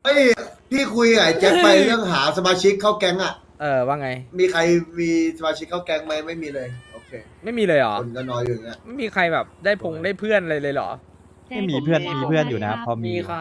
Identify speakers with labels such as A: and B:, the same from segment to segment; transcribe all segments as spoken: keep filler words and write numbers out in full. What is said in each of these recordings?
A: ฮ้ยพี่คุยกับไอ้แจ็คไปเรื่องหาสมาชิกเข้าแก๊งอ่ะ
B: เออว่าไง
A: มีใครมีสมาชิกเข้าแก๊งไหมไม่มีเลยโอเค
B: ไม่มีเลยเหรอ
A: คนก็น้อยอยู่อย่างเงี้ย
B: ไม่มีใครแบบได้พงได้เพื่อนเลยเลยเหรอ
C: ไม่มีเพื่อนมีเพื่อนอยู่นะพอมี
D: มีครับ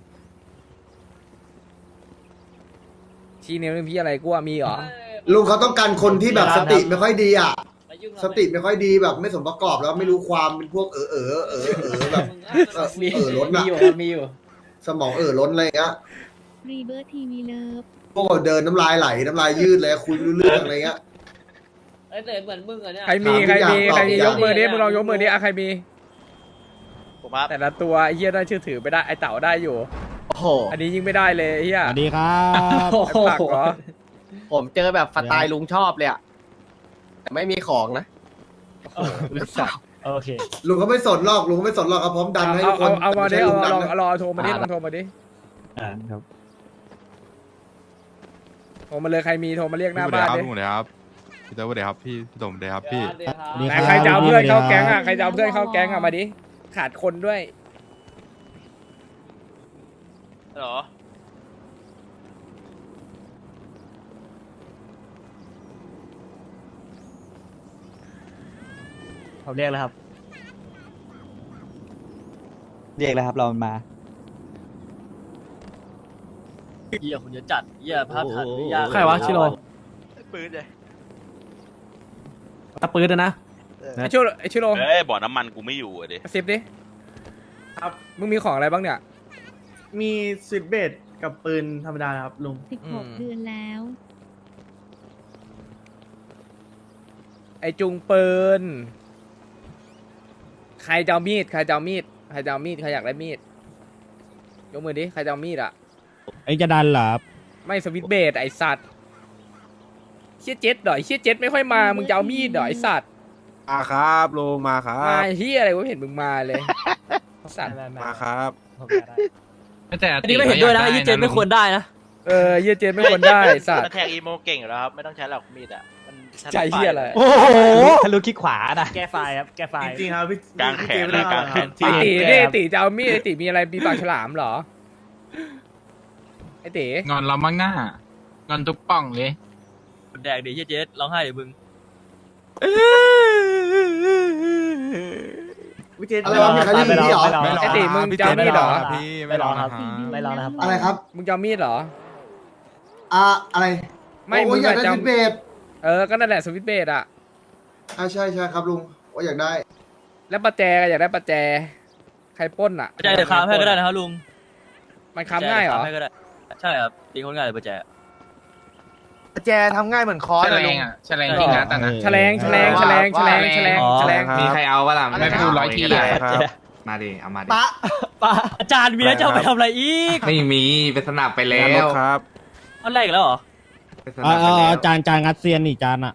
B: ชี้นิ้วนึงพี่อะไรกูว่ามีเหรอ
A: ลุงเขาต้องการคนที่แบบสติไม่ค่อยดีอ่ะสติไม่ค่อยดีแบบไม่สมประกอบแล้วไม่รู้ความเป็นพวกเออเออเออเออแบบเออ
D: มี
A: เออล้น
D: มี
A: อะ
D: อยู่ครับมีอยู่
A: สมองเออล้นอะไรอย่างเงี้ย
E: รีเบิร์ทีวีเลิฟ
A: พวกเดินน้ำลายไหลน้ำลายยืดเลยคุยไม่รู้เรื่องอะไรเงี้ย
D: เอ้ยแต่เหมือนมึงอะเนี่ย
B: ใครมี
A: ถาม
B: ใครมี
A: ทุกอย่าง
B: ใครมี
A: ตอบทุกอย่าง
B: ยกมือดิมึงลองยกมือดิอ่ะใครมี
F: ผมครับ
B: แต่ละตัวไอ้เฮียได้ชื่อถือไปได้ไอ้เต่าได้อยู่
F: โอ้โห
B: อันนี้ยิ่งไม่ได้เลยไอ้เฮีย
C: สวัสดีครับ
D: โอ้
B: ไอ้
D: โห
B: ผักเหรอ
F: ผมเจอแบบสไตล์ลุงชอบเลยอะแต่ไม่มีของนะหรือเปล่า
C: โอเค
A: ลุงเขาไม่สนหรอกลุงเขาไม่สนหรอกเขาพร้อมดันให้
B: เอา
A: ทุกค
B: เอา
A: น
B: เอามาดิ
A: แต่
B: เอา
A: ไม่ใช่
B: เอา
A: ลุง
B: ล
A: ดั
B: อน ง
A: นะ
B: รอโทรมาดิลองโทรมาดิ
C: อ่าครับ
B: โทรมาเลยใครมีโทรมาเรียกหน้าบ้านดิ
G: พี่หมูเดครับพี่เต๋อเดครับพี่พี่ต๋มเดครับพี่
D: เดี๋ยวครับ
C: นี่
B: ไหนใครจะเอาเพื่อนเข้าแก๊งอ่ะใครจะเอาเพื่อนเข้าแก๊งอ่ะมาดิขาดคนด้วย
F: เหรอ
C: เขาเรียกแล้วครับ เรียกแล้วครับเรามา
H: เหี้ยคนเยอะจัดเหี้ยภาพถ่ายไม่ยาก
C: ใครวะชิโร่
F: ปืนเลย
C: ตะปืนนะ
B: ไอ้ชิโร่ไอ้ชิโร่
I: เอ้ยบ่อน้ำมันกูไม่อยู่อ่ะดิ
B: กระซิบดิ
J: ครับ
B: มึงมีของอะไรบ้างเนี่ย
J: มีสวิตช์เบสกับปืนธรรมดาครับลุง
E: สิบหก
B: อืม
E: เดือนแล้ว
B: ไอ้จุงปืนใครจะเอามีดใครจะเอามีดใครจะเอามีดใครอยากได้มีดยกมือดิใครจะเอามีดอ่ะ
C: ไอ้จะดันเหรอ
B: ไม่สวิตช์เบสไอ้สัตว์เชี่ยเจ็ดเหรอไอ้เชี่ยเจ็ดไม่ค่อยมามึงจะเอามีดเหรอไอ้สัตว์
G: มาครับลุงมาครั
B: มา
G: บ
B: เฮียอะไรกูไม่เห็นมึงมาเลยสัตว์
G: มาครับ
H: แต่อันนี้ไม่เห็นด้วยนะยี่เจนไม่ควรได้นะ
B: เออเฮียเจ็ดไม่ควรได้ไอ้สัตว์
F: มันแทงอีโมเก่งอยู่แล้วครับ ไม่ต้องใช้หรอกมีดอะมันถนัด
B: ใจเฮียอะไร
C: โอ้โหทะลุคิดขวานะแก้ไฟครับแก้ไฟ
J: จริงๆครับพี่
I: กลางแขน
J: พี่
I: เลย
J: เจ
I: กลางแขน
B: ไอ้ตีนี่ไอ้ตีจะเอามีดไอ้ตีมีอะไรมีปากฉลามเหรอไอ้ตี
H: งอนเรามั่งหน้างอนทุกป่องเลยแดกดิยี่เจนร้องไห้เดี๋ยวมึง
J: พี่เจน
A: อะไรวะมีใครได้ยินพี่เหรอ
G: ไม่รอ
B: ไอ้ตีมึง
G: พี่
B: จะเอามีดเหรอ
G: ครับพี่ไม่รอนะครับ
E: สี่เดือน
C: ไม่รอนะครับ
A: อะไรครับ
B: มึงจะเอามีดเหรอ
A: อ่าอะไร
B: ไม่
A: โอ้
B: มึ
A: ย
B: ง
A: อยาก
B: อะ
A: ได้
B: จะ
A: สวิตช์เบส
B: เออก็นั่นแหละสวิตช์เบสอะ
A: อ่าใช่ใช่ครับลุงว่าอยากได้
B: แล้วประแจก็อยากได้ประแจใครปล้นอะ
H: ประแจเดี๋ยวค้ำให้ก็ได้นะครับลุง
B: มันค้ำง่ายเหรอ
H: ประแจเดี๋วค้ำให้ก็ได้ใช่ครับตีคนง่ายเลยประแจ
F: แจทำง่ายเหมือนค้อนเลยลุง
H: แฉลงที่งัดอ่ะนะ
B: แฉลงแฉลงแฉลงแฉลงแฉลงแฉลง
G: มีใครเอา
F: ไม่พูดร้อยที
G: ครับ มาดิเอามาดิ
A: ปะ
C: ป้า
H: อาจารย์มีแล้วจะเอาไปทำอะไรอีก
G: ไม่มีเป็นสนับไปแล้วครับ
H: อันแรกอีกแล้วเหรอ
G: เป็นส
C: เอ
G: นับ
C: อ
G: ไปแล้ว
C: จานจานงัดเซียนนี่จานอ่ะ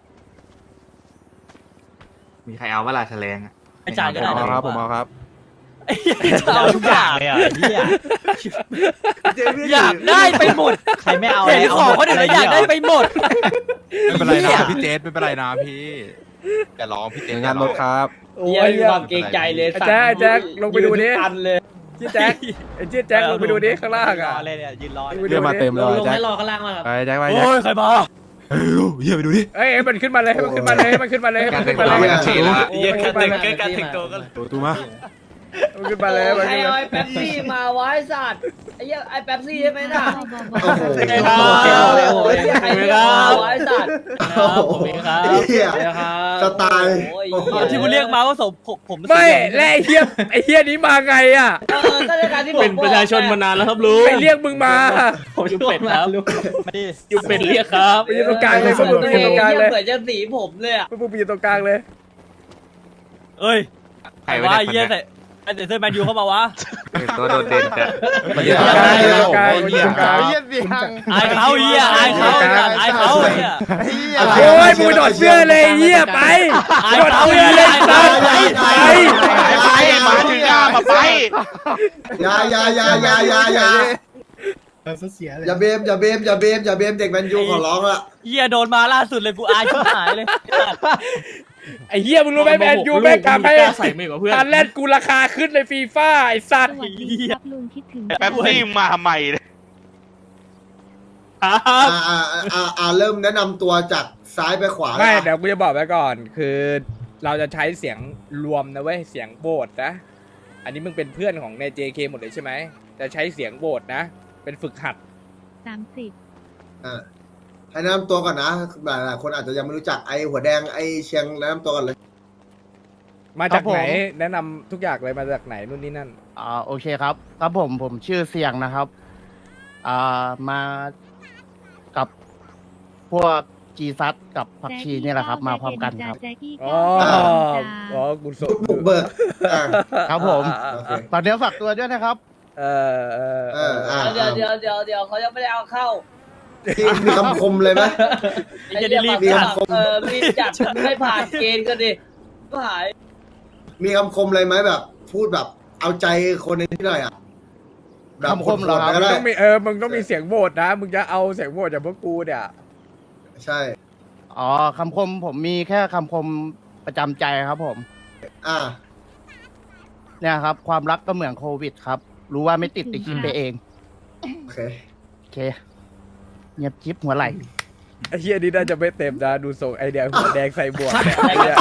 G: มีใครเอาเวลาแฉลงอะ
H: อาจารย์ก็ได้
G: ผม
H: นะ
G: เอาครับผมเอาครับ
H: ไอ้เหี้ยจะเอาทุกอย่าง
C: เลยอ่ะเฮีย
J: เจนพี่
H: อยากได้ไปหมด
C: ใครไม่เอา
H: เห็นของคนอื่นแล้วอยากได้ไปหมด
G: ไม่เป็นไรนะพี่เจสไม่เป็นไรนะพี่อย่าร้องพี่เจสงานรถครับ
D: โอ้ยมีความเกรงใจเลย
B: ไอ้แจ๊คไอ้แจ๊คลงไปดูดิ
D: ยืนทุกอันเลย
B: เจี๊ยแจ็คไอ้เจี๊ยแจ็คลงไปดูดิข้างล่างอะ
C: รอเลยเนี่ยยืนรอ
B: ลงไป
G: เรียกมาเต็ม
D: ล
G: เล
D: ง
G: ย
D: ลง
G: แจ็ค
D: ให้รอข้างล่างมาครับ
G: ไปแจ็คไปแจ็ค
H: โอ้ยใครมา
G: เฮ้ยเฮียไปดูดิ
B: เอ้ยมันขึ้นมาเลยให้มันขึ้นมาเลยให้มันขึ้นมาเลยให้มันขึ้นมาเลย
G: การแต่งตัว
D: เยอะการแต่งการแต่งตัวกัน
G: ตัวตัวมา
B: มันขึ้นมาเลย
D: โอ้
B: มัน
D: ใคร
B: ขึ้น
D: เอา
B: มา
D: ไอ้แป๊บซี่มาไว้สัตว์ไอ้เหี้ยไอ้แป๊บซี่ใช่ไหมน่ะ
A: โอ้โห
D: โอ้ยใครเอาไว้สัตว์
H: ผมเองครับ
A: เฮีย
D: เดี๋ยวครับ
A: สไตล์
D: โอ้ย
H: ตอนที่คุณเรียกมาว่าสมผมผม
B: ไม่และไอ้เฮียไอ้เฮียนี้มาไงอะ
D: เออก็ในการที่ผม
H: เป็นประชาชนมานานแล้วครับลุง
B: ไปเรียกมึงมา
H: ผมอยู่เป็ดครับ
C: ไม่ได้
H: อยู่เป็ดเรียกครับ
B: ไปยืนตรงกลางเลยพวกมึงไป
D: เอ
B: ยืนตรงกลางเลย
D: เหมือนจะสีผมเลยอ่ะ
B: พวกมึงไปยืนตรงกลางเลย
H: เอ้ย
G: ใคร
H: ว่า
G: ไม่
H: เยี่ย
G: ได้
H: แต่ไอ้แต่เสื้อแมนยูเข้ามาวะ
G: ตัวโดดเด่นแต่
B: ไปยืนตรงกลางไปยืนตรงกลางไปยืนตรงกลาง
F: เยี่ยเสียง
H: อายเขาเฮียอายเขาอายเขาเฮีย
B: โอ้ยมึงโดดเสื้อเลยเฮียไปโดดเสื้อเลยสัตว์ไปไป
F: ไปมาถึงหน้ามาไป
A: อย่าอย่าอย่าอย่าอย่าอย่าอย่าเบมอย่าเบมอย่าเบมอย่าเบมเด็กแมนยูขอร้องละ
H: เฮียโดนมาล่าสุดเลยกูอายชิบหายเลย
B: ไอ้เฮียมึงรู้ไหมแมนยูแม่งทำให้
H: ใส่ไม่กับเพื่อน
B: การเล่นกูราคาขึ้นในฟีฟ่าไอ้สัต
E: ส
B: ว์
E: วัสดีครับลุงคิดถึง
I: แป๊บซี่มาใหม่เลย
A: อ่าอ่าอ่าอ่าเริ่มแนะนำตัวจากซ้ายไปขวา
B: ไม่
A: อ่ะ
B: เดี๋ยวกูจะบอกไว้ก่อน คือเราจะใช้เสียงรวมนะเว้ยเสียงโบสนะ อันนี้มึงเป็นเพื่อนของใน เจ เค หมดเลยใช่ไหมจะใช้เสียงโบสนะ เป็นฝึกหัด
E: สามสิบ
A: อ่าให้แนะนำตัวก่อนนะหลายหลายคนอาจจะยังไม่รู้จักไอ้หัวแดงไอ้เชียงแนะนำตัวกันเลย
B: มาจาก
F: ครับผม
B: ไหนแนะนำทุกอย่างเลยมาจากไหนนู่นนี่นั่น
F: อ่าโอเคครับครับผมผมชื่อเสียงนะครับอ่ามากับพวกจีซัดกับผักชีเนี่ยแหละครับ มาพร้อมกันครับ
E: แจ็คกี้
B: อ๋อ
E: ก็
B: อ๋อกูส
A: บุกเบิกอ่า
F: ครับผม
A: โอเค
F: ฝากเนื้อฝากตัวด้วยนะครับ
B: เออเออ
A: เอออ่า
D: เดี๋ยวเดี๋ยวเดี๋ยวเดี๋ยวเขายังไม่ได้เอาเข้า
A: มีมีคำคมเลยไหม
D: ไอ้เหี้ยรีบจัดเออรีบจัดไม่ผ่านเกณฑ์ก็ดิก็หาย
A: มีคำคมอะไรไหมแบบ พูดแบบเอาใจคนในที่หน่อยอ่ะแบบ
F: คำคมเหรอครับ
A: โหดๆก็
B: มึง
A: ได้
B: ต้องมีเออมึงต้องมีเสียงโบสนะ มึงจะเอาเสียงโบสจากพวกกูเนี่ย
A: ใช่
F: อ๋อคำคมผมมีแค่คำคมประจำใจครับผม
A: อ่า
F: เนี่ยครับ ความรักก็เหมือนโควิดครับ รู้ว่าไม่ติดติดคิดไปเอง
A: โอเค
F: โอเคเงียบจิ๊บหัวไหล
B: ไอ้เฮียนี่น่าจะไม่เต็มนะดูทรงไอแดงหัวแดงใส่บวกเนี่ยไอ้เหี้ย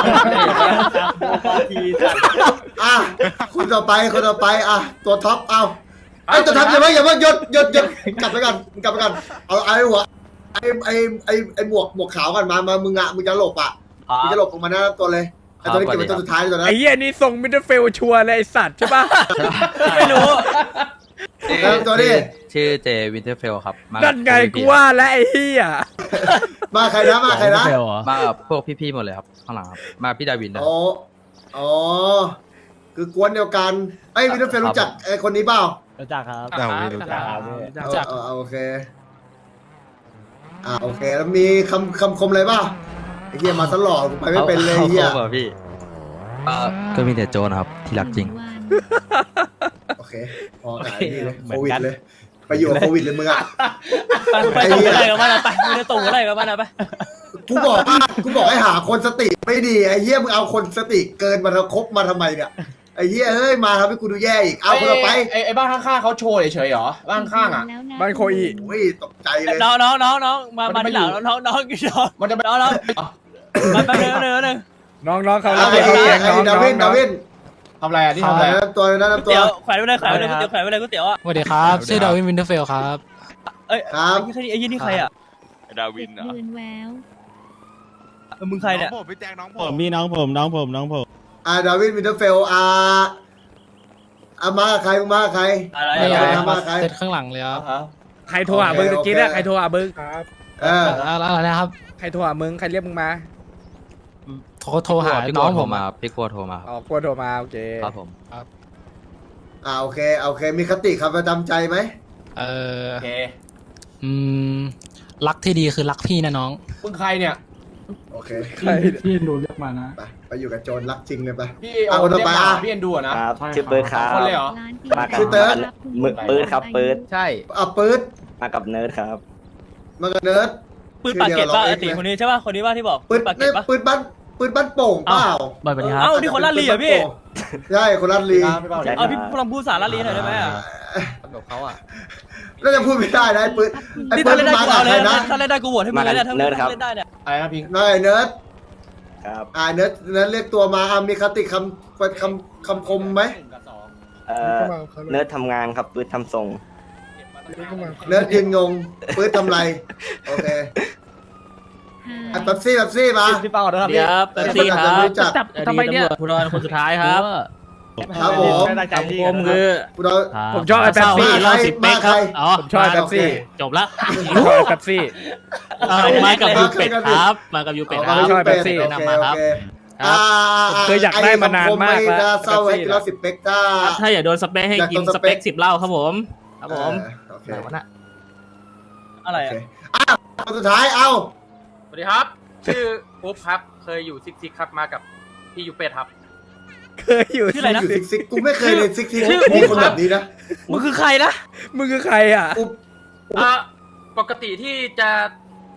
A: อ่ะคนต่อไปคนต่อไปอ่ะตัวท็อปเอาไอ้ตัวท็อปอย่าเพิ่งอย่าเพิ่งหยุดหยุดหยุดกลับไปกันกลับไปกันเอาไอ้หัวไอ้ไอ้ไอ้ไอ้หมวกหมวกขาวกันมามามึงอ่ะมึงจะหลบอ่ะมึงจะหลบออกมาหน้าตัวเลยไอ้ตัวนี้เก็บไว้ตัวสุดท้ายตัวนั้น
B: ไอ้เฮียนี่ทรงมิดเดิลเฟลชัวร์เลยไอ้สัตว์ใช่ปะ
H: ไม่รู้
A: แล้วตัวนี้
H: ชื่อเจวินเทอร์เฟลครับมา
B: นั่นไงกูว่าแล้วไอ้เฮีย
A: มาใครนะมาใครนะ
H: มากับพวกพี่ๆหมดเลยครับข้างหลังครับมาพี่ดาวินนะ
A: อ๋ออ๋อคือกวนเดียวกันไอ้วินเทอร์เฟลรู้จักไอ้คนนี้เปล่า
C: รู้จักครับ
G: เราไม่รู้จัก
A: เออเออโอเคอ่าโอเคแล้วมีคำคำคมอะไรเปล่าไอ้เหี้ยมาตลอดกูไปไม่เป็นเลยไอ้เหี้ย
H: ขาพี่ก็มีแต่โจนะครับที่รักจริง
E: วัน
A: โอเคพอหายนี่เลยโควิดเลยไปอยู่กับโควิดเลยมึงอ่ะ
H: ไปตรงอะไรกับมันอะไปไม่ได้ตรงอะไรกับมันอะไป
A: กูบอกว่ากูบอกให้หาคนสติไม่ดีไอ้เหี้ยมึงเอาคนสติเกินมาคบมาทำไมเนี่ยไอ้เหี้ยเฮ้ยมาทำให้กูดูแย่อีกเอาคนต่อไป
I: ไอ้ไอ้บ้านข้างๆเขาโชว์เฉยๆเหรอบ้านข้างๆอ่ะ
E: แล้วะ
B: บ้านโคอี
A: โอ้ยตกใจเลย
H: น้องน้องน้องน้องมามาที่หลังน้องน้องน้องน้อง
I: มันจะไป
H: น้องน้องมาไปเร็วเร็วเร็ว
B: น้องน้องเขา
A: ไอ้
B: เรียกเขาเรียก
A: ไอ้
B: น้อง
A: ดา
B: น้อง
A: วิน
B: น้
A: ดา
B: อง
A: วิน
I: ทำอะไรอ่ะที่ทำอะไร
A: แนะ
I: อ่ะ
A: นำตัวแนะนำตัว
H: เตี๋ยวแขวนไปเลยแขวนไปเลยก๋วยเตี๋ยวแขวนไปเลยก๋วยเตี๋ยวอ่ะ
C: สวัสดีครับชื่อดาวินวินเทอร์เฟลครับ
H: เอ้ย
A: ครับ
H: ไอ้ยี่นี่ใครอ่ะ
G: ดาวิน
E: เดือนแวว
H: เออมึงใครเนี่ย
G: น้องผมพี่แจ็คน้องผ
C: ผม มมีน้องผมน้องผมน้องผม
A: อ่าดาวินวินเทอร์เฟลอ่าอ่ามาใครมาใคร
H: อะไร
A: ไม่
H: อะ
A: เอา
H: ไร
A: มาใคร
C: เซตข้างหลังเลยครับ
B: ใครโทรหามึงตะกี้เนี่ยใครโทรหามึง
A: เออ
C: แล้วอะไรนะครับ
B: ใครโทรหามึงใครเรียกมึงมา
C: โทรโทรหาน้องผมอะ
H: พี่กลัวโทรมา
B: อ๋อกลัวโทรมาโอเค
H: ครับผม
A: อ่าโอเคโอเค มีคติคำประจำใจไหม
C: เออ
I: โอเค
C: อืมรักที่ดีคือรักพี่นะน้อง
I: มึงใครเนี่ย
A: โอเค
B: ใคร
C: พี่ดูเรียกมานะ
A: ไปไปอยู่กับโจรรักจริงเลยไป
I: พี่
A: เอา
I: เอา
A: คนต่อ
I: เรียก
A: ไป
I: มา
A: อ่ะ
I: พี่เอ็นดูอ่ะนะ
K: ครับชื่อเปิร์ดค
I: สอ
K: รั
I: ง
K: บ
I: คนเลยเหรอ
E: ร้านปี
K: มากับ
A: ชื่อเติร์ด
K: มือปืนครับปืน
F: ใช่
A: อ่ะปื๊ด
K: มากับเนิร์ดครับ
A: มากับเนิร์ด
H: ปืนปากเก็ตป่ะไอ้ตีคนนี้ใช่ป่ะคนนี้ป่ะที่บอก
A: ปื
H: ปื
A: น
H: นปากเก็
A: นี่
H: ตป่ะ
A: ปืนบ้านปืนบ้านโป่งเปล่า
H: บ่อยไปครับเอ้านี่คนลาดลีเหรอพี่
A: ใช่คนลาดลี
I: พี่เปา
K: ใช่
H: เอาพี่ลองพูดสารลาดลีหน่อยได้ไหมอ่ะ
F: กับเขาอ่ะ
A: น่าจะพูดไม่ได้นะไอ้ปืนไอ้
H: นี่
A: ปื
H: ถ้าน เล่นได้
A: มา
H: กู
A: กับ
H: เอาเล
A: ใคร
H: ย
A: นะ
H: ถ้าเล่นได้กูโหวตให้มึงเลยเนี่ยถ้าเล่นได้เนี่ย
I: อะไรนะพิง
A: นายเนิร์ด
K: ครับ
A: อ่าเนิร์ดเนิร์ดเรียกตัวมาอ่ะมีคติคำคำคำคมไหม
K: เอ่อเนิร์ดทำงานครับปืนทำทรง
A: เนิร์ดยืนงงปืนทำไรโอเค
E: ห้า
A: อ่ะเป๊ปซี่เป๊ปซี่มา
F: พี่เปาเด้อครับ
H: เดี๋ยวเป๊ปซี่ครับ
A: รู้จัก
H: ทำไมเนี่ยผู้รอดคนสุดท้ายครับ
A: ครับผม
H: คำคมคือ
A: กูเรา
B: ผมชอบไอ้แป๊บซี่
A: รอบสิบเป๊กครับ
H: อ๋อ
B: ผมชอบไอ้แป๊บซี่
H: จบละ
B: ผมชอบไอ้แป๊บซี่
H: มากับยูเป็ดครับ มากับยูเป็ดค
A: อ๋
H: รั
A: อบ
B: ชอบเป๊ปซี่
A: โอเคโอเคอ่า
B: ผมเคยอยากได้มานานมากแล้ว
A: ไอ้คำคมไม่น่าเศร้าไอ้กินเหล้าสิบเป๊กถ้า
H: ถ้าอย่าโดนสเปคให้กินสเปคสิบเหล้าครับผม ครับผม
A: โอเค
H: ไหนวะน่ะอะไร
A: โอ
H: อ่ะ
A: เคอ้าวคนสุดท้ายเอ้า
H: สวัสดีครับ ชื่อปุ๊บครับ เคยอยู่ซิกซิกครับ มากับพี่ยูเป็ดครับ
B: เคยอยู่
H: ชื่ออะไรนะ
A: ซิกซิกกูไม่เคยเลยซิกซิก
H: ชื่อ
A: มีคนแบบนี้นะ
H: มึงคือใครนะ
B: มึงคือใครอ่ะ
A: อุ๊บ
H: อ่าปกติที่จะ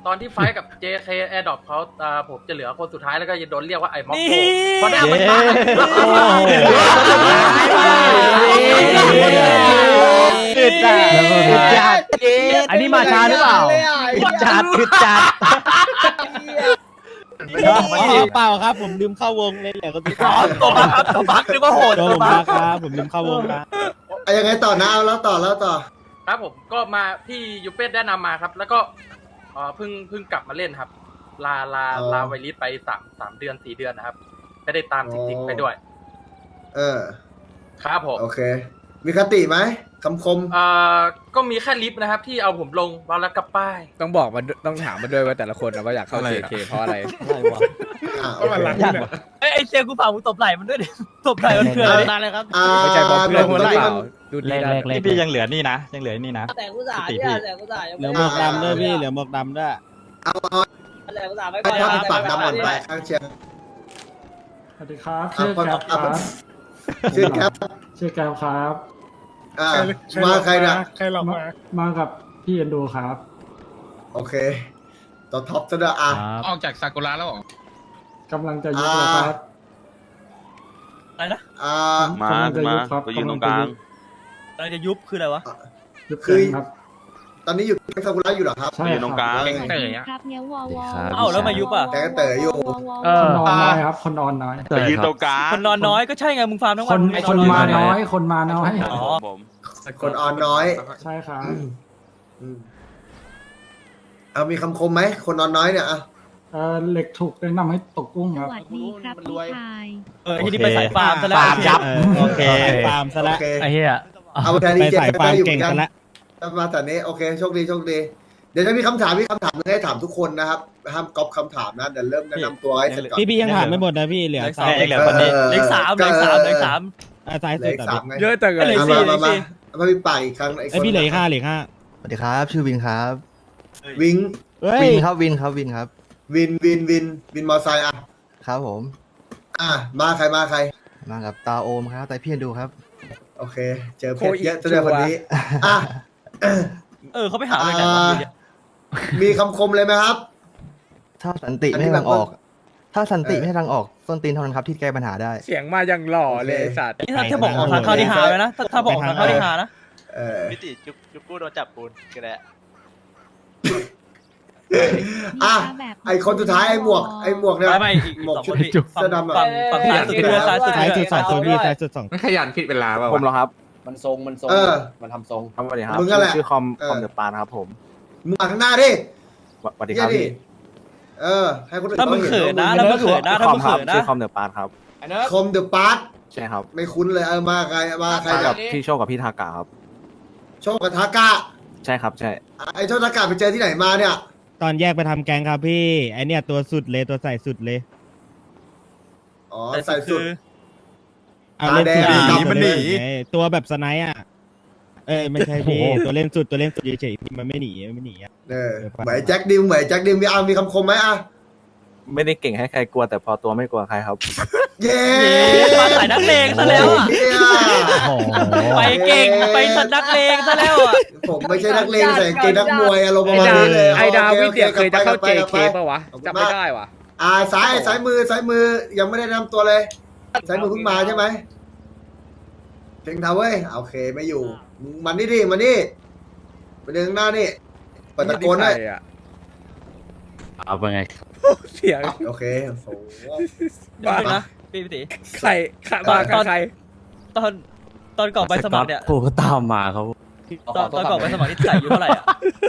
H: ตอนที่ไฟท์กับ เจ เค Airdrop เขาอ่าผมจะเหลือคนสุดท้ายแล้วก็จะโดนเรียกว่าไอ้ม็อกโกเพราะหน้ามันตาย
F: คือจัดคือจัดอันนี้มาช้าหรือเปล่าคือจัดคือจัด
J: เปล่าครับผมลืมเข้าวงเลยแหละก็ติด
F: ตัวบักครับตัวบักนึกว่าโหด
J: ตัวบักครับผมลืมเข้าวงนะ
A: ไอ้ยังไงต่อนะเอาแล้วต่อแล้วต่อ
H: ครับผมก็มาพี่ยูเป็ดแนะนำมาครับ แล้วก็เอ่อเพิ่งเพิ่งกลับมาเล่นครับ ลาลา
A: อ๋อ
H: ลาไวลิสไปสามสามเดือนสี่เดือนนะครับไม่ได้ตามจริงๆไปด้วย
A: เออ
H: ครับผม
A: โอเค มีคติไหมคำคม
H: เอ่อก็มีแค่ลิฟต์นะครับ ที่เอาผมลงวางแล้วกับป้าย
B: ต้องบอกมันต้องถามมาด้วยว่าแต่ละคนนะว่าอยากเข้า เจ เค เพราะอะไร
A: อ่าโอ
B: ก็มัน
A: เค
B: รัก
F: ไอ้ไอ้เซียกูฝากมึงตบไหล่มันด้วยดิตบไหล่มันเถื่อนเลยเลยครับ
A: อ่า
B: ไม่ใช่เพราะเพื่อน
A: ต
B: มึ
A: รง
B: งหรือ
A: นี้
B: เป
A: มั
B: ล่าน ดูดีนะ
C: นี่พี่ยังเหลือนี่นะยังเหลือนี่นะ
D: แต่กูสาเนี่ยแต่กูสา
J: เหลือหมวกดำด้วยพี่เหลือหมวกดำด้วย
A: เอาเอา
D: แต่กูสาไม่
A: ให้
D: ก่อน
A: ภาพปากดำก่อนไปข้างเชียง
J: สวัสดีครับ
A: ชื่อแคปครับชื่อแคป
J: ชื่อแกมครับ
A: อ่ามาใครเนี่ย
J: ใครหลอกมามากับพี่เอ็นดูครับ
A: โอเคต่อท็อปซะด้วยอ่ะ
G: ออกจากซากุระแล้วเหรอ
J: กำลังจะยุบแล้วครับ
F: อะไรนะ
A: อ่า
J: มามาไปยืนตรงกลาง
F: อะไรจะยุบคืออะไรวะ
J: ยุบ
A: คือ
J: ครับ
A: ตอนนี้อยู่แก๊งซากุระอยู่เหรอครับ
J: ใช่ครับ
B: เต๋ออะ
E: ครับเนี้ยวอวอ
F: เอ้าแล้วมายุบอ่ะ
A: แก๊งเต๋ออยู่
J: คนนอนน้อยครับ คนนอนน้อย
G: แต่ยืนตรงกลาง
F: คนนอนน้อยก็ใช่ไงมึงฟาร์มทั้ง
J: ค
F: วัน
J: นคนมาน้อย คนมาน้อย
F: อ๋อ
A: คนอ่อนน้อย
J: ใช่ครับ
A: อืมเอามีคำคมไหมคนนอนน้อยเนี่ยอ่ะ
J: เออเหล็กถูกแนะนำให้ตกกุ้ง
E: ส
J: ครับ
E: วัสดีครับพี่ชาย
F: เออที่นี่ไปสายฟาร์มซะแล้ว
J: โอเคฟาร์มซะ
A: โอ
J: แล้ว
A: เค
F: ไอ้เหี้ย
A: เอาแทนนี้เจ็ด
J: ไปสายฟาร์ม
A: ได้อยู่
J: เก่ง
A: เหมือน
J: กั
A: กัน น
J: ละ
A: มาแต่นี้โอเคโชคดีโชคดี เดี๋ยวจะมีคำถามมีคำถามหนึงให้ถามทุกคนนะครับห้ามก๊อปคำถามนะเดี๋ยวเริ่มแนะนำตัวให้เสร็จก่อน
J: พี่พี่ยังถามไม่หมดนะพี่เหลือสาม
F: เหลือคนนี้เหลือสามเหลือสามเหลือสาม
J: สาย
A: เหลื
J: สุ
A: อ
J: ด
A: อีก
J: แต่
A: สามไง
B: เยอะจังเล
F: เหลื
B: ย
F: อ
A: เอา
F: สี่
A: มา
F: เหลือ
A: มามา
F: สี่
A: มาพี่ป่าอีกครั้ง
J: ไอพี่เหลืออีกห้าเหลืออีกห้า
K: สวัสดีครับ ชื่อวินครับ
A: วิง
J: เฮ้ย
K: วินครับวินครับวินครับ
A: วินวินวินวินมอไซค์อ่ะ
K: ครับผม
A: อ่ะมาใครมาใคร
K: มากับตาโอมครับแต่พี่ดูครับ
A: โอเค เจอเพชรเยอะตัวเดียวคนนี้อ่ะ
F: เออเขาไปหาอะไรกัน
A: อ่ามีคำคมเลยไหมครับ
K: ถ้าสันติไม่ให้ทางออก ถ้าสันติไม่ให้ทางออกส้นตีนเท่านั้นครับที่แก้ปัญหาได้
B: เสียงมาอย่างหล่อเลยไอ้สัตว์
F: นี่ถ้าถ้าบอกออกทางเข้าที่หาเลยนะถ้าถ้าบอกออกทางเข้าที่หานะ
A: เออ
K: พิติจุกจุกกู้โดนจับปูนก็ได้
A: อ่ะไอคนสุดท้ายไอหมวกไอหมวกเนี่ย
F: ไม่ไม่อีก
A: หมวก
F: สอง
A: ชุ
F: ค
A: ด
F: นพี่
A: เสื้อดำอ่ะ
F: ฝั่งฝั่งซ้ายสุดเรือซ้ายสุด
J: สายสุดสองคนพี่
F: เรือ
J: สายสุดสอง
G: ไม่ขยันผิดเวลาเปล่า
I: ผมเหรอครับ
J: มันทรงมันทรง
A: เออ
J: มันทำทรง
I: ครับสวัสดีครับ
A: มึงนั่นแหละ
I: ชื่อคอม
A: เออ
I: คอมเดอะปานครับผม
A: มึงอ่านข้างหน้าดิ
I: สวัสดีค
A: เยี่ย
I: รับ
A: ดิ
I: พี่
A: เออ ให้คนอื่น
F: ถ้ามึง
A: เขา
F: เขิน
A: ห็
F: นะ
A: ว่า
F: ถ้ามึงเขินนะถ้า
I: คอ
F: มึ
I: ม
F: ง
I: ครั
F: เขิ
I: บ
F: นนะ
I: ชื่อคอมเดอะปานครับ
A: คมเดอะปาร์ต
I: ใช่ครับ
A: ไม่คุ้นเลยเออมาใครมาใคร
I: มา
A: เนี่
I: กั
A: ย
I: บพี่โชคกับพี่ทากาครับ
A: โชคกับทากะ
I: ใช่ครับใช่
A: ไอโชคทากะไปเจอที่ไหนมาเนี่ย
J: ตอนแยกไปทำแกงครับพี่ไอเนี่ยตัวสุดเลยตัวใส่สุดเลย
A: อ๋อใส่สุด
J: เอาเล่นสุด
A: ตาแดง
J: ดี
G: หนีมันหนี
J: ไงตัวแบบสไนป์อ่ะเอ้ยไม่ใช่พี่ตัวเล่นสุดตัวเล่นสุดเฉยๆมันไม่หนีมันไม่หนีอ่ะ
A: เออเหมือนแจ็คดิมเหมือนแจ็คดิมมีเอามีคำคมไหมอ่ะ
I: ไม่ได้เก่งให้ใครกลัวแต่พอตัวไม่กลัวใครครับ
A: เย้
F: มาสายนักเลงซะแล้วอ่ะ
A: เหี้ย
J: โอ้โห
F: ไปเก่งไปสันนักเลงซะแล้วอ่ะ
A: ผมไม่ใช่นักเลงใส่กางเกงนักมวยอารมณ์ป
B: ไอ้
A: ระมาณ
B: ดาว
A: นี้เลย
B: ไอ้ดาว
A: โอ
B: วิเดียเคยจะเข้า
A: กลับไป
B: เจ
A: กลับ
B: เค
A: ไป
B: ปะวะ
A: ขอบคุณ
B: จำไม่
A: มาก
B: ได้วะ
A: อ่าซ้ายซ้ายมือซ้ายมือยังไม่ได้แนะนำตัวเลยซ้ายมือเพิ่งมาใช่ไหมเพ่งเทาเว้ยโอเคไม่อยู่มึงมันนี่ดิมันนี่ไปเดินข้างหน้านี่เปิดตะโกนได้
B: ใครอะ
C: เอาไปไง
B: เสียง
A: โอเคโอ้โห
F: เดี๋ยวนะพี่พี่ตี
B: ใครใครมากับใคร
F: ตอนตอนก่อนไปสมัครเนี่ย
C: ผมก็ตามมาเขา
F: ตอนตอนก่อนไปสมัครที่ใส่อยู่เท่าไหร่อ่ะ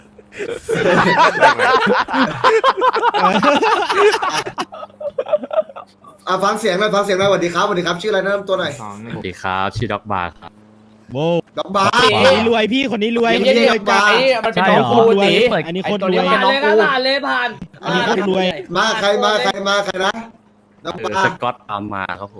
A: อ่ะฟังเสียงหน่อยฟังเสียงหน่อยสวัสดีครับสวัสดีครับชื่ออะไรแนะนำตัวหน่อย
C: สวัสดีครับชื่อด็อกบาร์ครับ
J: โบ
A: ดอกบาร์
J: คนนี้รวยพี่คนนี้รวย
A: เย็นๆ
J: รวยจัด
I: มันเป็น
J: ใช่
I: น้อง
J: เหรอ
I: กู
J: รวย
I: ตี
J: อันนี้โคตรรวย
D: ผ่านเลยครับผ่านเลยผ่าน
J: อันนี้โคตรรวย
A: มาใครมาใครมาใครนะดอก
C: เออบ
A: า
C: ส
A: ร์
C: กอตตามมาครับผม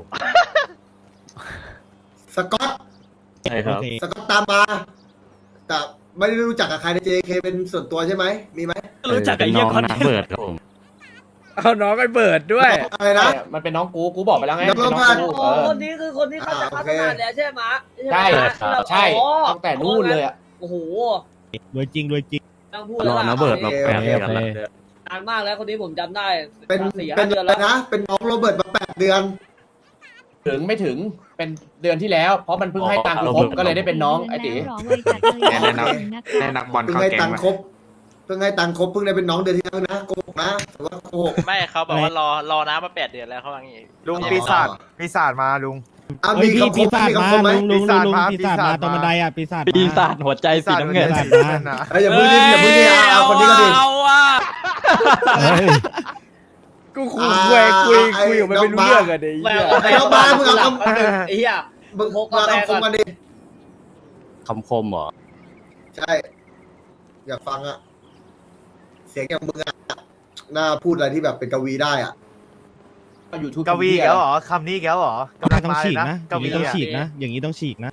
A: สกอต
C: ใช่ครับ
J: โอเค
A: สกอตตามมา แต่ไม่ได้รู้จักกับใครใน เจ เค เป็นส่วนตัวใช่ไหมมีไหม
F: รู้จักกับไอ้เหี้ยคอน
C: น้อง
F: เทน
C: เบิร์
F: ต์
C: ดครับผม
B: เอาน้องไอ้เบิร์ดด้วย
A: อะไรนะ
I: มันเป็นน้องกูกูบอกไปแล้วไง
A: น้อง
I: เป็น
A: บ้าน
I: กู
D: โอ้
I: เออ
D: คนนี้คือคนที่เขาจะพัฒนาแล้วใช่ไหม
I: ใช่
D: ไหม
I: ครับใช่
D: อ๋อ
I: ตั้งแต่นู่นเลยอ่ะ
D: โอ้โห
J: รวยจริงรวยจริง
D: ต้องพูด
C: ร
D: แล้ว
C: อ
D: ล่ะ
C: น้าเบิร์ดมาแปด
J: โอเค
C: เดือน
J: โอเค
C: แล้ว
D: นานมากแล้วคนนี้ผมจำได้
A: เป็น
D: สี่
A: เป็
D: ห้าน เดือน
A: อะไร
D: แล้ว
A: นะเป็นน้องโรเบิร์ตมาแปดเดือน
L: ถึงไม่ถึงเป็นเดือนที่แล้ว เพราะมันเพิ่งให้ตังค์ครบก็เลยได้เป็นน้องไอ้ตี
G: แน่นักแน่นักบอล
A: เพิ่ง
G: เข้า
A: ให้
G: แก๊
A: ตั
G: ง
A: งค์
G: ละ
A: ครบเพิ่งให้ตังค์ครบเพิ่งได้เป็นน้องเดือนที่แล้วนะโกหกนะแต่ว่าโกหก
H: ไม่เขาบอกว่ารอรอน้ำมาแปดเดือนแล้วเขาว่างี้
G: ลุงปีศาจปีศาจมาลุง
A: อ่ะ
J: เฮ้
A: มี
J: ยพี่
A: คำค
J: ปี
A: มไหม
J: ศาจ
A: มี
J: มา
A: คำคมไหม
J: ลุงลุงลุงลุง
G: ปี
J: ปี
G: ศา
J: ศา
G: จ
J: จมา
G: มา
J: ตรงบันไดอ่ะปีศาจ
C: ปีศาจ
J: มา
C: หัวใจสีน้ำเงิน
J: ปีศาจมา
A: เอ้ยอย่าพูดดิอย่าพูดดิเอาเอาคนนี้ก็ดิ
B: เอาอ่ะ
J: เฮ้ย
B: กูคุยคุยคุยคุยกับมันไม่รู้เรื่องอะเดี๋ยว
D: แม่
B: ไอ้เหี้ย
D: เอาไปเอามามึงเอาคำไอ้เหี้ย
A: มึง
D: พก
A: มาก
D: าแฟ
A: คำคม
D: ก่อน
A: กันดิ
C: คำคมเหรอ
A: ใช่ อยากฟังอะเสียงอย่างมึงอะน่าพูดอะไรที่แบบเป็นกวีได้อ่ะ
L: ยูทูบ
G: กวีแล้วเหรอคำนี้แล้วเหรอกำลัง
J: ต้อง
G: มาเล
J: ฉี
G: ย
J: ก
G: นะ
J: นะอก ย่าง
G: วี
J: นี้ต้อง
G: อะ
J: ฉีกนะ อย่างนี้ต้องฉีกนะ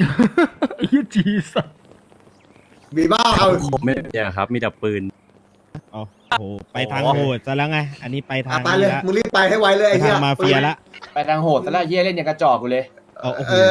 A: มีบ้าเอา
C: ไม่เนี่ยครับ มีแต่ปืน
J: เอาโอ้โหไปทางโหดซะแล้วไง อันนี้ไปทา
A: อ่ะ
J: ง
A: ไปเลย
J: นี้ละ
A: มึงรีบไปให้ไวเลย
J: ไป
A: ไอ้เหี้
J: ทาย งมาเฟียละ
L: ไปทางโหดแต่ละเยี่ยเล่นอย่างกระจอกกูเลย
J: เอาโอ้โห
A: เออ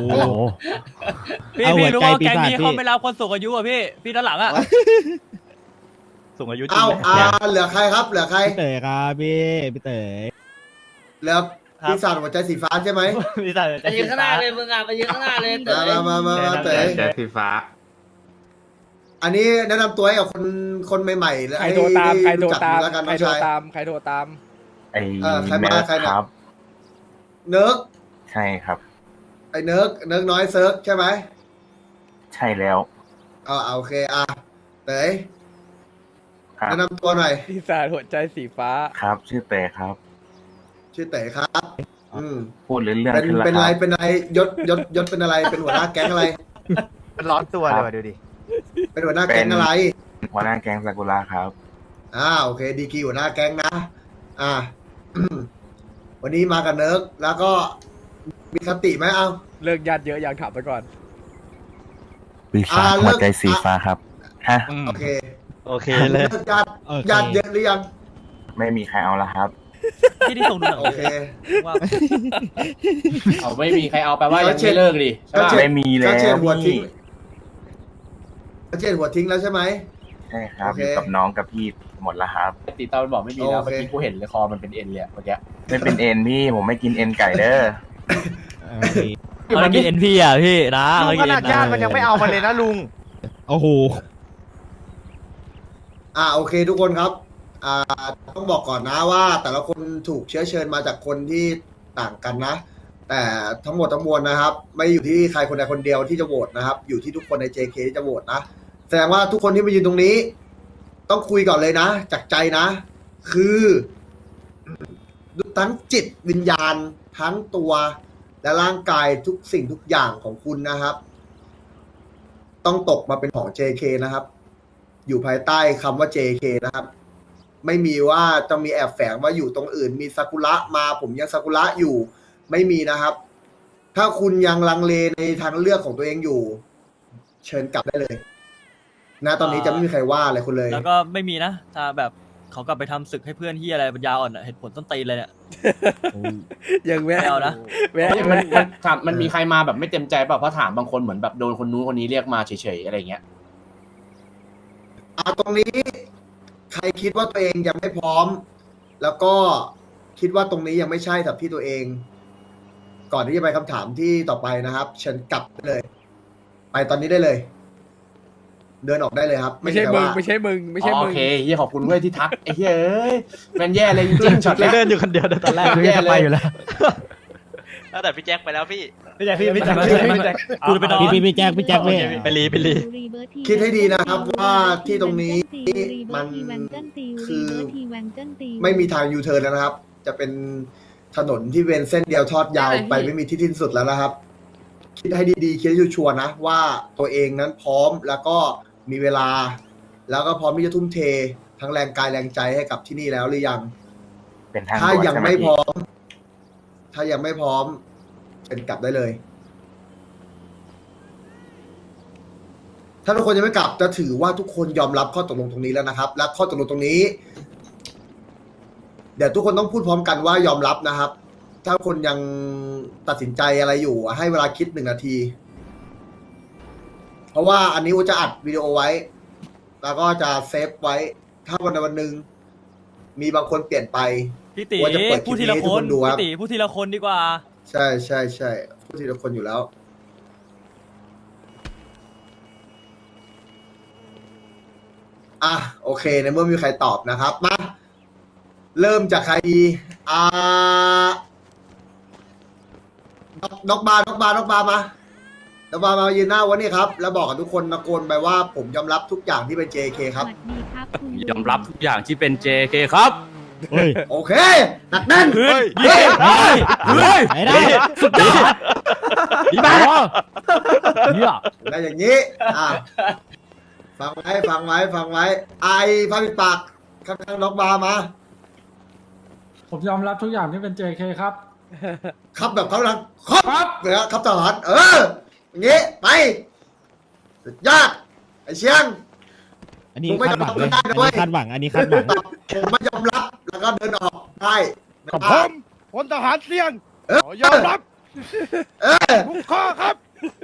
J: เอาหัวใจปีศาจพี่
H: ไม่รับคนสูงอายุอ่ะพี่พี่ด้านหลังอ่ะ
C: สูงอายุจริง
A: เอา
C: ไหม
A: อ่าเหลือใครครับ เหลือใคร
J: พี่เต๋อครับพี่พี่เต๋อ
A: เหลือปีศาจหัวใจสีฟ้าใช่ไหม
C: ปีศาจ
D: ไปยืนข้างหน้าเลยมึงอ่ะไปยืนข้างหน้าเลยเต๋
A: มา
D: อ
A: มามามามาเต๋อ
G: ใจสีฟ้า
A: อันนี้แนะนำตัวให้กับคนคนใหม่ๆแล้ว
B: ใครโทรตามใครโทรตาม
A: แล้วกัน
B: ใคร
A: น้อง
B: โทร
A: ชาย
B: ตามใครโทรตาม
I: ไอ้
A: เออใครมาใครเนี่ย
I: ครับ
A: เนิร์ก
I: ใช่ครับ
A: ไอ้เนิร์กเนิร์กน้อยเซิร์กใช่ไหม
I: ใช่แล้ว
A: อ่าโอเคอ่ะเต๋อ
I: ครับ
A: แนะนำตัวหน่อย
B: ปีศาจหัวใจสีฟ้า
I: ครับ ชื่อเตครับ
A: ชื่อเต๋อครับ อืม
I: พูดเรื่อง
A: เป็น
I: ขึ้นแล้ว
A: เป็น
I: ค
A: อะไร
I: รับ
A: เป็นอะไรยศยศยศเป็นอะไรเป็นหัวหน้าแก๊งอะไร
G: มันร้อนตัวเลยว่ะดูดิ
A: เป็นหัวหน้าแก๊งอะไร
I: หัวหน้าแก๊งซากุระครับ
A: อ่าโอเคดีกีหัวหน้าแก๊งนะ อ่า วันนี้มากับเนิร์กแล้วก็มีคติไหมเอา
B: เลิกญาติเยอะยังถามไปก่อน
I: ปีศาจหัวใจสีฟ้าครับ ฮะ
A: โอเค
C: โอเคเลย
A: เลิกญาติ
J: โอเค
A: ญาติเยอะหรือยัง
I: ไม่มีใครเอาละครับ
H: พี่ที่ส่งดูหนัง
A: โอเค
H: ว่า
L: เอาไม่มีใครเอาแปลว่ายังไม่เลิกดิใช่
A: ก็
L: ปะ
A: เช็ด
I: ไม่มีแล้ว
A: ก็เช็ดหัวทิ้ง
I: พี่
A: ก็เช็ดหัวทิ้งแล้วใช่ไหม
I: ใช่ครับ
A: โอเค
I: อยู่กับน้องกับพี่หมดแล้วครับ
L: ตีตามันบอกไม่มีแล้ว
A: โอ
L: เมื่อ
A: เค
L: กี้กูเห็นเลยคอมันเป็นเอ็นเลยอะเมื่อกี้
I: ไม่เป็นเอ็นพี่ ผมไม่กินเอ็นไก่เด้อ
J: โอเค
C: มันกินเอ็นพีอ่ะพี่นะ
G: ลุงขนาดญาติมันยังไม่เอามาเลยนะลุง
J: โอ้โห
A: อ่าโอเคทุกคนครับ อ่าต้องบอกก่อนนะว่า แต่ละคนถูกเชื้อเชิญมาจากคนที่ต่างกันนะ แต่ทั้งหมดทั้งมวลนะครับ ไม่อยู่ที่ใครคนใดคนเดียวที่จะโหวตนะครับ อยู่ที่ทุกคนใน เจ เค ที่จะโหวตนะแสดงว่าทุกคนที่มายืนตรงนี้ ต้องคุยก่อนเลยนะจากใจนะ คือทั้งจิตวิญญาณทั้งตัวและร่างกายทุกสิ่งทุกอย่างของคุณนะครับ ต้องตกมาเป็นของ เจ เค นะครับ อยู่ภายใต้คำว่า เจ เค นะครับ ไม่มีว่าจะมีแอบแฝงว่าอยู่ตรงอื่น มีซากุระมาผมยังซากุระอยู่ ไม่มีนะครับ ถ้าคุณยังลังเลในทางเลือกของตัวเองอยู่ เชิญกลับได้เลยนะตอนนี้จะไม่มีใครว่าอะไรคุณเลย
H: แล้วก็ไม่มีนะถ้าแบบเขากลับไปทำศึกให้เพื่อนที่อะไรปัญญาอ่อนอะเหตุผลต้นตีนเลยเนี่ย
B: ยังแวะ
H: ไม่เอานะ
B: แวะ
L: มันมัน
B: แวะ
L: ถามมันมีใครมาแบบไม่เต็มใจเปล่าเพราะถามบางคนเหมือนแบบโดนคนนู้นคนนี้เรียกมาเฉยๆอะไรเงี้ย
A: อ่าตรงนี้ใครคิดว่าตัวเองยังไม่พร้อม แล้วก็คิดว่าตรงนี้ยังไม่ใช่สำหรับที่ตัวเอง ก่อนที่จะไปคำถามที่ต่อไปนะครับ เชิญกลับได้เลย ไปตอนนี้ได้เลย เดินออกได้เลยครับ
B: ไม่ใช่
A: ใคร
B: มึง
A: ว่า
B: ไม่ใช่มึงไม่ใช่
L: อ๋อ
B: มึ
L: โอง เคเฮียขอบคุณเว้ยที่ทักไอ้เฮียเอ้ยแมันแย่เลยจริงๆช็อตแรก
C: เดินอยู่คนเดียวตอนแรก
L: แย่เลย
H: ตั้งแต่พี่แจ็คไปแล้วพี่
C: พี่แจ็คพี่พี่แจ็ค
L: พี่แจ็ค
H: กูไปนอน
J: พี่พี่พี่แจ็คพี่แจ็คพี่
C: ไปรีไปรี
A: คิดให้ดีนะครับว่าที่ตรงนี้มันคือไม่มีทางยูเทิร์นแล้วนะครับ จะเป็นถนนที่เป็นเส้นเดียวทอดยาวไปไม่มีที่สิ้นสุดแล้วนะครับ คิดให้ดีๆคิดให้ชัวร์ๆนะว่าตัวเองนั้นพร้อมแล้วก็มีเวลา แล้วก็พร้อมที่จะทุ่มเททั้งแรงกายแรงใจให้กับที่นี่แล้วหรือยัง
I: เป็นทาง
A: ถ้า
I: ด่วน
A: ยัง
I: ใช่ไหม
A: ไม่
I: พี่
A: พร้อม ถ้ายังไม่พร้อมเป็นกลับได้เลย ถ้าทุกคนยังไม่กลับจะถือว่าทุกคนยอมรับข้อตกลงตรงนี้แล้วนะครับ และข้อตกลงตรงนี้ เดี๋ยวทุกคนต้องพูดพร้อมกันว่ายอมรับนะครับ ถ้าคนยังตัดสินใจอะไรอยู่ให้เวลาคิดหนึ่งนาที เพราะว่าอันนี้อูจะอัดวิดีโอไว้ แล้วก็จะเซฟไว้ ถ้าวันใดวันหนึ่งมีบางคนเปลี่ยนไป
M: พี่ตี
A: ว่าจะเปิดคลิ
M: พู
A: ป
M: ดที
A: นี้
M: ละ
A: ให้
M: ค
A: ทุกคน นดูครับ
M: พี่ตีพูดทีละคนดีกว่า
A: ใช่ใช่ใช่พูดทีละคนอยู่แล้ว อ่ะโอเคในเมื่อมีใครตอบนะครับมาเริ่มจากใครดีอ่านกนกบาร์นกบาร์นกบาร์มานกบาร์มายืนหน้าวันนี้ครับ แล้วบอกกับทุกคนตะโกนไปว่าผมยอมรับทุกอย่างที่เป็น เจ เค ครับ
E: สวัสดีครับคุณลุง
M: ยอมรับทุกอย่างที่เป็น เจ เค ครับ
J: เฮ้ย
A: โอเคหนักแน่น
M: เฮ้ย
A: เฮ้ย
M: เฮ้ย
J: ไม่ได้
M: สุดยอดดีมากเนี่ย
A: ได้อย่างนี้อ่ะฟังไว้ฟังไว้ฟังไว้ไอ้พาปิดปากข้างๆนกบาร์มา
L: ผมยอมรับทุกอย่างที่เป็น เจ เค ครับ
A: ครับแบบเขาลังครับเนี่ยครับทหารเอออย่างงี้ไปสุดยอดไอ้เชียง
J: อันนี้
A: มึงไม่
J: คาดหวังเลย
A: ยอมรับไม่ได้นะเว้
J: อัน
A: ย
J: นี้คาดหวัง อันนี้คาดหวัง
A: ผมไม่ยอมรับแล้วก็เดินออกได้
F: กับผมพลทหารเสี่ยง
A: เออ
F: ขอยอมรับ
A: เออ
F: ทุกข้อครับ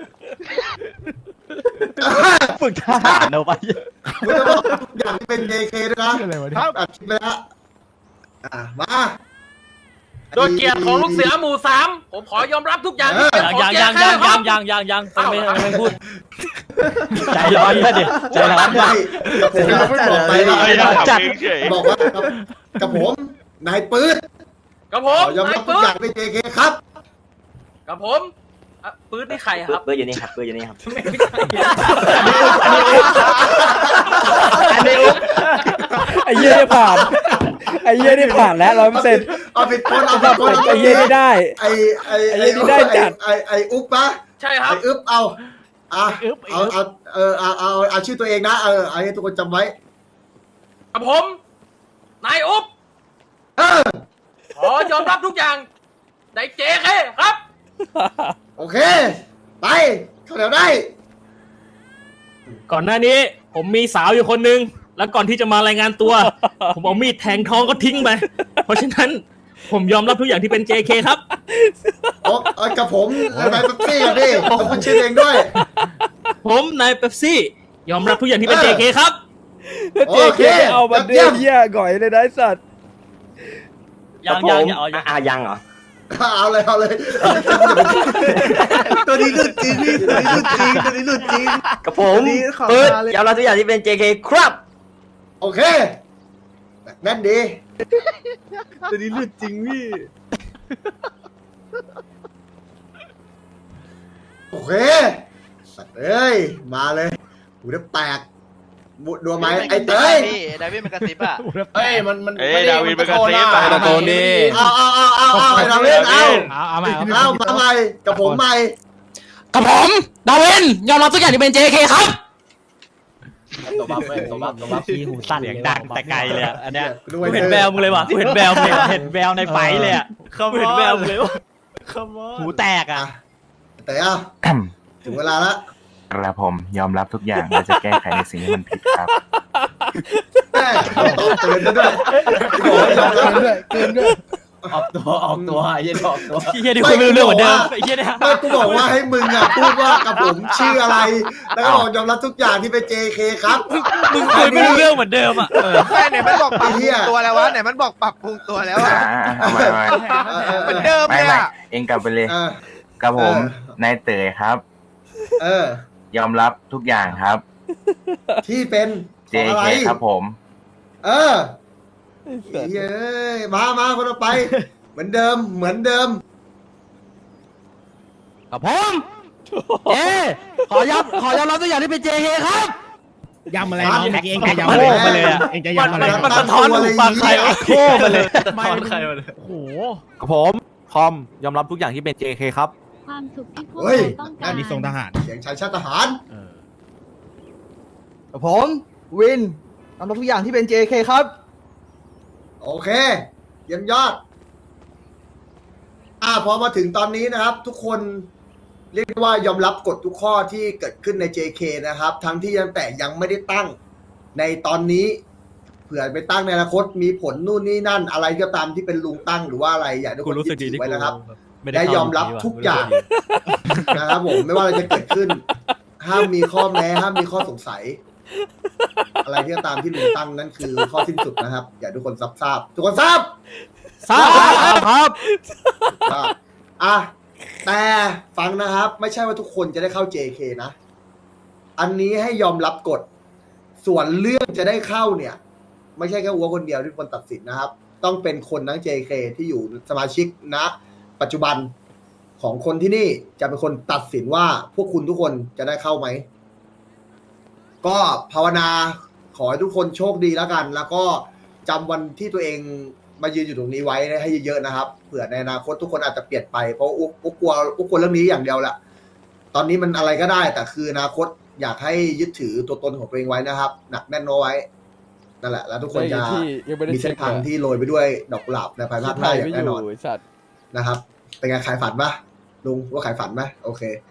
A: เออ
I: ฝึกทหารเอาไป
A: มึงจะบอกทุกอย่างที่เป็น เจ เค ด้วยนะครับ อัดคลิปไปแล้วอ่ะมา
H: โดยเกียรติของลูกเสือหมู่สามผมขอยอมรับทุกอย่างที่เป็นของ
M: ยัง
H: เจ
M: ยัง
H: เค
M: ยัง
H: ค
M: ยั
H: รับ
M: งยังยังยังยังไม่ไม่ไม่พูด
I: ใจร้อนเลยดิใจร้อน
A: ไม่กับผมบอกไปแล้ว
I: จัด
A: บอกว่ากับกับผมนายปื๊ด
H: กับผ
A: ข
H: ม
A: อยอม
H: นา
A: รั
H: ย
A: บทุก
H: ปื๊
A: อ
H: ด
A: ย่างเป็น เจ เค ครับ
H: กับผมอ่ะปื๊ดนี่ใครครับ
I: เบอร์อยู่นี่ครับเบอร์อยู่นี่ครับ
H: อันนี้อุ๊บ
B: ไอ้เหี้ยนี่ผ่าน ไอ้เหี้ยนี่ผ่านแล้วร้อยเปอร์เซ็นต์
A: เอาผิดคนเอาผิดคน
B: ไอ้เหี้ยนี่ได้
A: ไอ้ไอ้
B: ไอ้เหี้ยนี่ได้จัด
A: ไอ้ไอ้อุ๊บปะ
H: ใช่ครับ
A: ไอ้อึ๊บเอาอ่ะเอาเอาเออเอาเอาเอาชื่อตัวเองนะเออเอาให้ทุกคนจำไว้
H: กับผมนายอุ๊บ
A: เออ
H: ขอยอมรับทุกอย่างในเจเคครับ
A: โอเค ไปเข้าแถวได้
M: ก่อนหน้านี้ผมมีสาวอยู่คนนึง แล้วก่อนที่จะมารายงานตัว ผมเอามีดแทงท้องก็ทิ้งไป เพราะฉะนั้นผมยอมรับทุกอย่างที่เป็น เจ เค ครับ
A: โอ้เออกับผมนายเป๊ปซี่กันดิผมคุณชื่อเองด้วย
M: ผมนายเป๊ปซี่ ยอมรับทุกอย่างที่เป็น เจ เค ครับ
B: แล้วเจ
A: โอ
B: เค
A: เค
B: เอามาเดื
A: เยี่
B: อย
A: ม
B: เหี้ยก่อยเลยนะไอ้สัตว์
M: ยังยังยังเอายัง
I: อ่ะยังเหรอ
A: เอาเลยเอาเลยตัวนี้หลุดจริงพี่ตัวนี้หลุดจริงตัวนี้หลุดจริง
I: กับผมเปิดยอมรับทุกอย่างที่เป็น เจ เค ครับ
A: โอเคแน่นดี
I: ตัวนี้หลุดจริงพี่
A: โอเคสัตว์เอ้ยมาเลยหูจะแตกบุดดัวไหมไอ้เต้ย
I: ดาวิดมันกระซิบอ่ะ
L: เฮ้ย มัน มัน
G: เอ้ย
L: ไม่ได้
G: ดาวิด
L: มันตะโกน
G: มันกระซิบ
L: อ่ะ
G: ตะโกนดิ
A: เอาเอาเอาเอาเอาไอ้ดาวินเอา
C: เอาเอาใหม่เอา
A: เอามาใหม่กับผมใหม่
C: กับผม ดาวิน ยอมรับทุกอย่างที่เป็น เจ เค ครับ
L: ตัวบัฟเว้ยตัวบัฟตัวบัฟ
C: ที่หูสั้นเสียงดังแต่ไกลเลยอะอันเนี้ย
A: ด้
M: กูเห็นแววมึงเลยว่ะกูเห็นแววมึงเลยเห็นแววในไฟเลยอ่ะกูเห็นแววมึงเลยว่ะ
C: หูแตกอ่ะ
A: อ่ะแต่เอาถึงเวลาละ
I: กระผมยอมรับทุกอย่างและจะแก้ไขในสิ่งที่มันผิดครับ
A: แม่ตอบเตือนซะด้วยบอกให้ยอมรับด้วยเกินด้วย
L: ออกตัว ออกตัวไอ้เหี้ยันออกตัว
M: ไอ้เฮียนี่คุยไม่รู้เรื่องเหมือนเดิมไอ้เฮียเนี่ย
A: ไม่กูบอกว่าให้มึงอ่ะพูดว่ากับผมชื่ออะไร แล้วก็บอกยอมรับทุกอย่างที่เป็น เจ เค ครับ
M: มึงคุยไม่รู้เรื่องเหมือนเดิมอ่ะ
G: ไหนมันบอกปรับปรุงตัวแล้ววะไหนมันบอกปรับปรุงตัวแล้วอะ
K: เอามาเอามา
G: เหมือนเดิม
K: ไม่
G: เลย
K: ไม่
G: อะ
K: เองกลับไปเลย
A: เออ
K: กับผม
A: เออ
K: นายเต๋อครับ
A: เออ
K: ยอมรับทุกอย่างครับ
A: ที่เป็นข
K: เจ
A: องอะไร
K: เคครับผม
A: เออเย้ยมามาคนต่อไป เหมือนเดิมเหมือนเดิม
C: กับผมเอ๊ขอยอมขอยอมรับทุกอย่างที่เป็น เจ เค ครับ
J: ยำอะไรน้องเมื่อกี้เองจะยำ
A: โอ้
J: อะไร
A: มาเลยอะ
J: เองจะ
M: มัน
J: ยำอะไร
M: มันมันสะท้อนหูฟังใครวะโค้มาเลยสะท้อนใครมาเลย
C: โอ้โห
I: กับผมคอมยอมรับทุกอย่างที่เป็น เจ เค ครับ
E: ความสุขที่พวก
A: เฮ้ย
E: เราต้อง
J: อั
E: การ
J: นนี้ทรงทหาร
A: เสียงชายชาติทหาร
K: กับผมวินยอมรับทุกอย่างที่เป็น เจ เค ครับ
A: โอเคเยี่ยมยอด อ่าพอมาถึงตอนนี้นะครับ ทุกคนเรียกได้ว่ายอมรับกฎทุกข้อที่เกิดขึ้นใน เจ เค นะครับ ทั้งที่ยังแต่ยังไม่ได้ตั้งในตอนนี้ เผื่อไปตั้งในอนาคตมีผลนู่นนี่นั่น อะไรก็ตามที่เป็นลุงตั้งหรือว่าอะไรอยากให้ทุก
M: กู
A: คน
M: รู้สึกดี
A: ยึดถื
M: ที่
A: อไว้นะครับ
M: ไม่
A: ได้ยอมรับทุกอย่าง นะครับผมไม่ว่าอะไรจะเกิดขึ้น ห้ามมีข้อแม้ห้ามมีข้อสงสัยอะไรที่ตามที่ลุงตั้งนั่นคือข้อสิ้นสุดนะครับ อย่าทุกคนซับทราบทุกคนทราบ
C: ทราบครับ
A: อ่ะอ่ะแต่ฟังนะครับ ไม่ใช่ว่าทุกคนจะได้เข้า เจ เค นะ อันนี้ให้ยอมรับกฎส่วนเรื่องจะได้เข้าเนี่ย ไม่ใช่แค่อัวคนเดียวที่คนตัดสินนะครับ ต้องเป็นคนทั้ง เจ เค ที่อยู่สมาชิกณปัจจุบันของคนที่นี่จะเป็นคนตัดสินว่าพวกคุณทุกคนจะได้เข้าไหม ก็ภาวนาขอให้ทุกคนโชคดีแล้วกัน แล้วก็จำวันที่ตัวเองมายืนอยู่ตรงนี้ไว้ให้เยอะๆนะครับเผื่อในอนาคตทุกคนอาจจะเปลี่ยนไปเพราะอุ๊กอุ๊กกลัวอุ๊กกลัวเรื่องนี้อย่างเดียวแหละตอนนี้มันอะไรก็ได้แต่คืออนาคตอยากให้ยึดถือตัวตนของตัวเองไว้นะครับหนักแน่นเอาไว้นั่นแหละแล้วทุกคนจะมีเส้นทางที่โรยไปด้วยดอกกุหลาบในภายภาคหน้าอย่างแน่นอนนะครับเป็นไงขายฝันปะลุงว่าขายฝันไหมโอเค